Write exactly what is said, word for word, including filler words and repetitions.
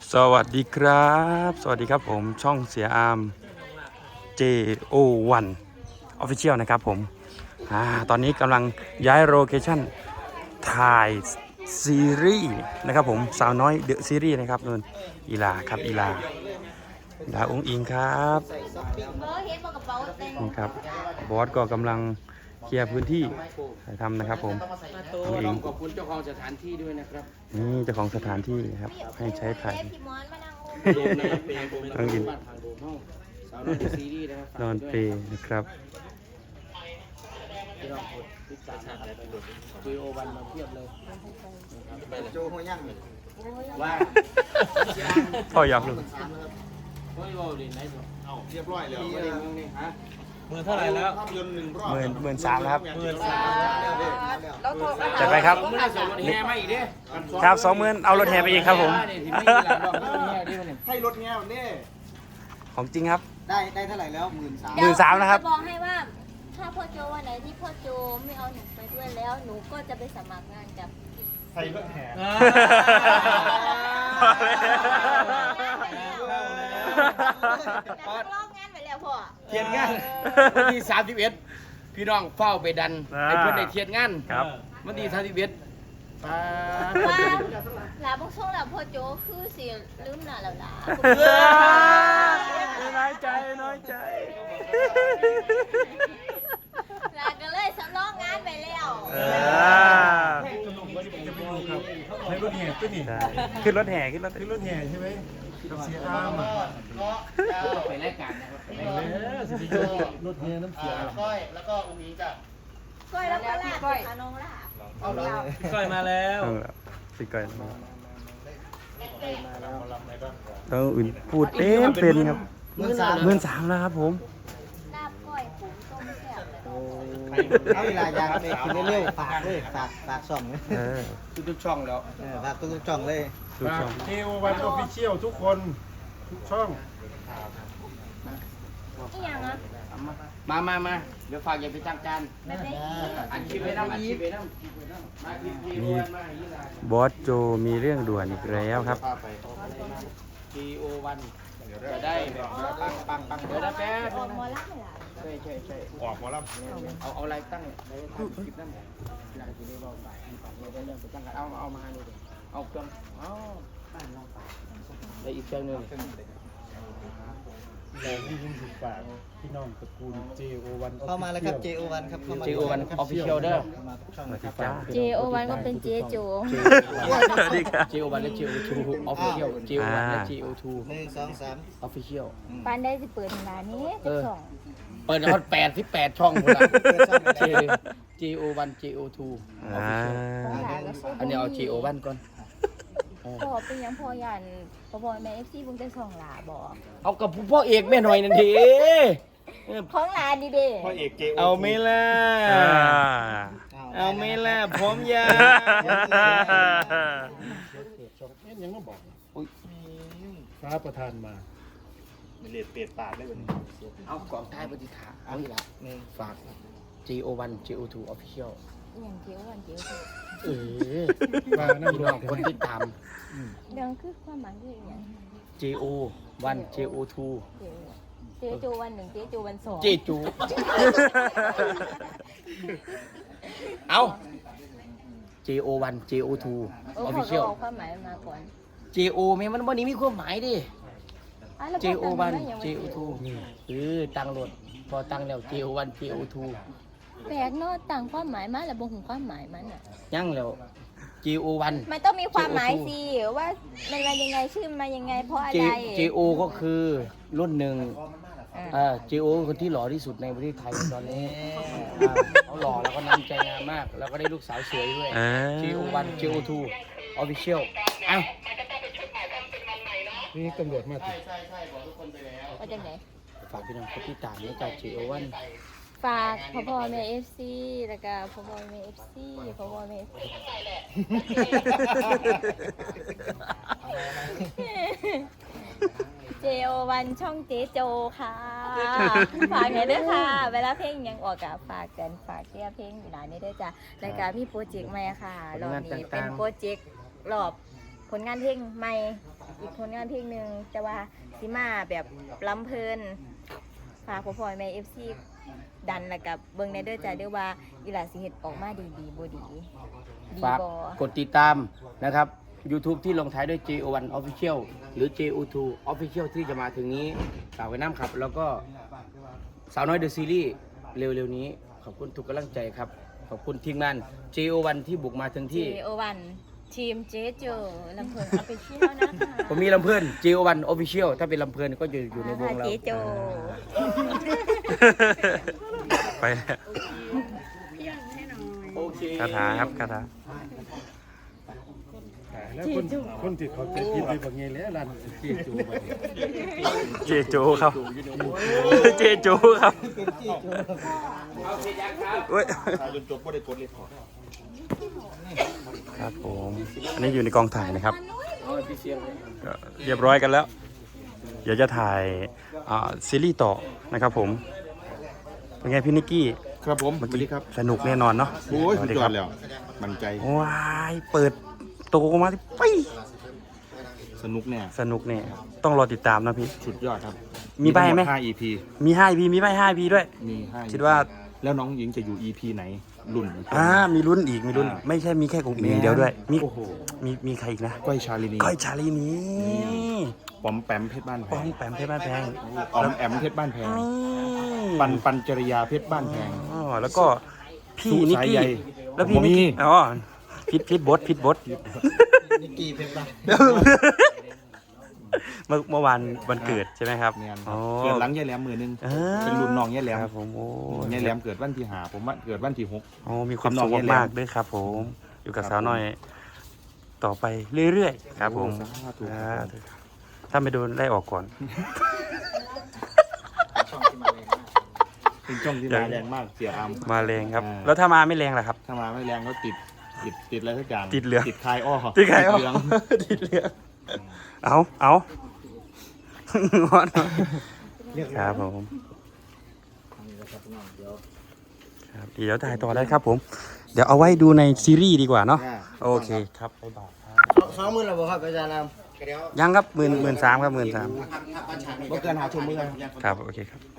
สวัสดีครับสวัสดีครับผมช่องเสียอาร์ม เจ โอ วัน Official นะครับผมอ่าตอนนี้กำลังย้ายโลเคชั่นถ่ายซีรีส์นะครับผมสาวน้อยเดอะซีรีส์นะครับนนอีลาครับอีลาอีลาองค์อิงครับนี่ครับบอสก็กำลังเคลียร์พื้นที่ถ่ายทำนะครับผมองค์อิงขอบคุณเจ้าของสถานที่ด้วยนะครับนี่เจ้าของสถานที่ครับให้ใช้ถ่ายโดมนะครับเพลงโดมนะครับบ้านทางโดมห้องสาวน้อยซีรีส์นะครับนอนเปรย์นะครับที่เรากดติดตามนะครับคุยโอวันมาเทียบเลยโจหัวย่างว่าพ่ออยากรู้โอ้ยโอ้ยไหนสุดเอาเรียบร้อยแล้วเมืองนี่ฮะหมื่นเท่าไหร่แล้วภาพยนตร์หนึ่งรอบหมื่นหมื่นสามครับหมื่นสามแล้วจัดไปครับเมื่อส่งรถแห่มาอีกเด้ครับสองหมื่นเอารถแห่ไปอีกครับผมให้รถแง่วันนี้ของจริงครับได้ได้เท่าไหร่แล้วหมื่นสามหมื่นสามนะครับจบอกให้ว่าถ้าพ่อโจวันไหนที่พ่อโจไม่เอาหนูไปด้วยแล้วหนูก็จะไปสมัครงานกับให้รถแห่นักร้องงานไปแล้วพ่อเทียนงานวันที่สามสิบเอ็ดพี่น้องเฝ้าไปดันให้เพื่อนได้เทียนงานครับวันที่สามสิบเอ็ดป้าว่าลาบงช่วงลาพ่อโจคือสิลืมหน้าแล้วล่ะน้อยใจน้อยใจลาก็เลยสำรองงานไปแล้วเออให้รถแห่ตัวนี้ใช่ขึ้นรถแห่ขึ้นรถให้รถแห่ใช่ไหมกับเสียอาร์มอ่ะไปรายการนะครับไปเออสิรถแห่น้ำเสียอาร์มก้อยแล้วก็อุ้งอิงจ้ะก้อยแล้วก็ลาก้อยน้องลาเอาเลยก้อยมาแล้วเอาละสิก่อนต้องอื่นพูดเต็มเป็นครับหมื่นสามหมื่นสามแล้วครับผมลาบก้อยปุ๋มต้มแซ่บเลยเอาเวลายางไปกินเรื่อยๆฝากเลยฝากฝากช่องเลยเออทุกๆช่องแล้วเออฝากทุกๆช่องเลยทุกช่องเจโอวันออฟฟิเชียลทุกคนทุกช่องอีหยังอ่ะมามามาเดี๋ยวฝากอย่าไปจ้างการไม่ได้อันคลิปไว้น้ำอันคลิปไว้น้ำมาคลิปที่มีวันมาอย่างนี้ละบอสโจมีเรื่องด่วนอีกแล้วครับทีโอวันจะได้แบบปังปังปังเดี๋ยวนะแป๊บอนึอกงมอนะลักเลยล่ะใช่ใช่ใช่ออกหมอลเอาเอาอะไรตั้งอะไรตั้งคลิปนั่นอยากจะได้บอกไปเดี๋ยวเดี๋ยวไปตั้งกันเอาเอามาดูดิเอาเครื่องเอาตั้งลองไปแล้วอีกเครื่องหนึงำแต่ที่ยินสุดปากพี่น้องตระกูลเจโอวันเข้ามาแล้วครับ เจ โอ วัน ครับเข้ามาเจโอวันออฟฟิเชียลเด้อเข้ามาทุกช่องสวันะสคดีรับจ้าเจโอวันก็เป็นเจโจสวัสดีครับเจโอวันและเจโอทูออฟฟิเชียลเจโอวันและเจโอทูหนึ่งสองสามออฟฟิเชียลปานได้สิเปิดร้านนี้จะสองเปิดฮอตแปดที่แปดช่องหมดละเจเจโอวันเจโอทูออฟอ่าฟิเชียลของหลานก็ซื้ออันนี้เอาเจโอวันก่อนพ่อเป็นยังพ่อยันพ่อพ่อแม่เอฟซีบุ้งจะสองหลาบอกเอากับพ่อเอกแม่หน่อยนั่นทีของหลานดีเด้พ่อเอกเจโอเอาไหม่ล่ะอ่าเอาไหม่ล่ะพร้อมยาช่องเอ็นยังต้องบอกอุ๊ยฟ้าประธานมาเลียดเปลียดปากได้วันนี้เอากล่องท้ายปฏิฐานเอาอีกละหนึ่งฝาก เจ โอ วัน เจ โอ ทู Official อย่างเจียววันเจียวเออฟ้านั่งพี่รน้อองกันคนติดตามเรื่องคือความหมายคืออย่างเจ โอ วัน เจ โอ ทูเจโจวันหนึ่งเจโจวันสองเจจู เอา เจ โอ วัน เจ โอ ทูเออเขาก็ Official เอาความหมายมาก่อนเจ โอ แม่มันวันนี้มีความหมายดิอ่ะแล้วเจพ่โอตั้งวันได้ยังไงเจ โอ ทูเออตั้งรถพอตั้งแล้ว เจ โอ วัน เจ โอ ทูแปลกเนาะต่างความหมายมาแล้วบ่หูความหมายมันอ่ะยังแล้ว เจ โอ วันมันต้องมีความหมายสิว่ามันมายังไงชื่อมายังไงเพราะอะ J ไรเจ โอ ก็คือรุ่นหนึ่งอ่ะอ่า เจ โอ คนที่หล่อที่สุดในประเทศไทยตอนนี้อ่าเขาหล่อแล้วก็น้ำใจงามมาก แล้วก็ได้ลูกสาวสวยด้วยอ่าเจ โอ วัน เจ โอ ทู Official อ้าวนี่ตำรวจมาติดว่าจังไหนฝากพี่น้องคนที่ตามนะจาก เจ โอ วันฝากพ่อพ่อแม่เอฟซีแล้วก็พ่อพ่อแม่เอฟซีพ่อพ่อแม่ เอฟซีเจโอวันช่องเจโจค่ะฝากหน่อยด้วยค่ะ เวลาเพลงยังออกกับฝากกันฝากเชียร์เพลงอยู่หลายนี้ด้วยจ้ะรายการมีโปรเจกต์ใหม่ค่ะรอบนี้เป็นโปรเจกต์รอบผลงานเพลงใหม่อีกผลงานเพลงหนึ่งแต่ว่าสิมาแบบล้ำเพลินฝากพ่อพ่อแม่เอฟซีดันแล้วกับเบิ่งในเด้อจ้าเด้อว่าอีหลาสิเฮ็ดออกมาดีดีบ่ดีดีฝากบ่กดติดตามนะครับ YouTube ที่ลงท้ายด้วย เจ โอ วัน Official หรือ เจ โอ ทู Official ที่จะมาถึงนี้ฝากไว้น้ำครับ แล้วก็สาวน้อยเดอะซีรีส์เร็วๆนี้ ขอบคุณทุกกำลังใจครับ ขอบคุณทีมงาน เจ โอ วัน ที่บุกมาถึงที่เจ โอ วัน ทีมเจโจลำเพลินออฟฟิเชียลนะคะผมมีลำเพลิน เจ โอ วัน Official ถ้าเป็นลำเพลินก็จะอยู่ในวงเราเจโจไปแล้วโอเคคาถาครับคาถาแล้วคนคนที่เขาจะคิดไปบางไงแล้วร้านเจี๊ยจูไปเจโจครับเจโจครับเว้ยจนจบก็ได้กดเลยพอครับผมอันนี้อยู่ในกองถ่ายนะครับเอาพี่เสียงเลยก็เรียบร้อยกันแล้ว เดี๋ยวจะถ่ายอ่าซีรีส์ต่อนะครับผมเป็นไงพี่นิกกี้ครับผมเมื่อสวัสกี้ดีครับสนุกแน่นอนเนาะโอ้ยสสุวัดสยอครัดแล้วมั่นใจว้ายเปิดโตมาที่ปีสนุกแน่สนุกเนี่ยต้องรอติดตามนะพี่สุดยอดครับมีใบไหมห้า อี พีมีห้า อี พี มีใบห้า อี พี ด้วยมีห้าคิดว่าแล้วน้องหญิงจะอยู่ อี พี ไหนรุ่นอีกอ่ามีลุ้นอีกมีลุ้นอ่าไม่ใช่มีแค่กลุ่มเองเดียวด้วยมีโอ้โหมีมีใครอีกนะก้อยชาลินีก้อยชาลีนีปอมแปมเพชรบ้านแพป้อง งแปมเพชรบ้านแพงออมแอมเพชรบ้านแพงนี่ปันปันจริยาเพชรบ้านแพงอ๋อแล้วก็พี่สุนิกสายกี้ใยแล้วพี่ผมมีนิกกี้อ๋อพิดพิดบดพิดบดนิกกี้เพชรบ้านเมื่อเมื่อวานวันเกิดใช่ไหมครับเนี่ยคอ๋รัอบเกิดหลังยายแหลมมือนึงอ่าเป็นรุ่นน้องยายแหลมครับผมโอ้ยายแหลมเกิดวันที่หาผมว่าเกิดวันที่หกโอ้มีความเป็นน้สุองขยายแหลมมากๆด้วยครับ ผมอยู่กับครับสาวน้อย ต่อไปเรื่อยๆครับผมโอ้สาธุสาธุถ้าไม่โดนไล่ออกก่อนช่องที่มาเลยนะเป็นช่องที่มาแรงมากเสียอามมาแรงครับอ่าแล้วถ้ามาไม่แรงล่ะครับถ้ามาไม่แรงก็ติดติดติดอะไรสักอย่างติดเหลืองติดคายอ้อที่ใครเอาเหลืองที่เหลืองเอาเอางอนครับผมครับเดี๋ยวถ่ายต่อได้ครับผม เดี๋ยวเอาไว้ดูในซีรีส์ดีกว่าเนาะโอเคครับบ๊ายบายครับสองหมื่นแล้วบ่ครับอาจารย์นำยังครับหมื่นหมื่นสามครับหมื่นสามบ่เกินหาชมมือครับโอเคครับ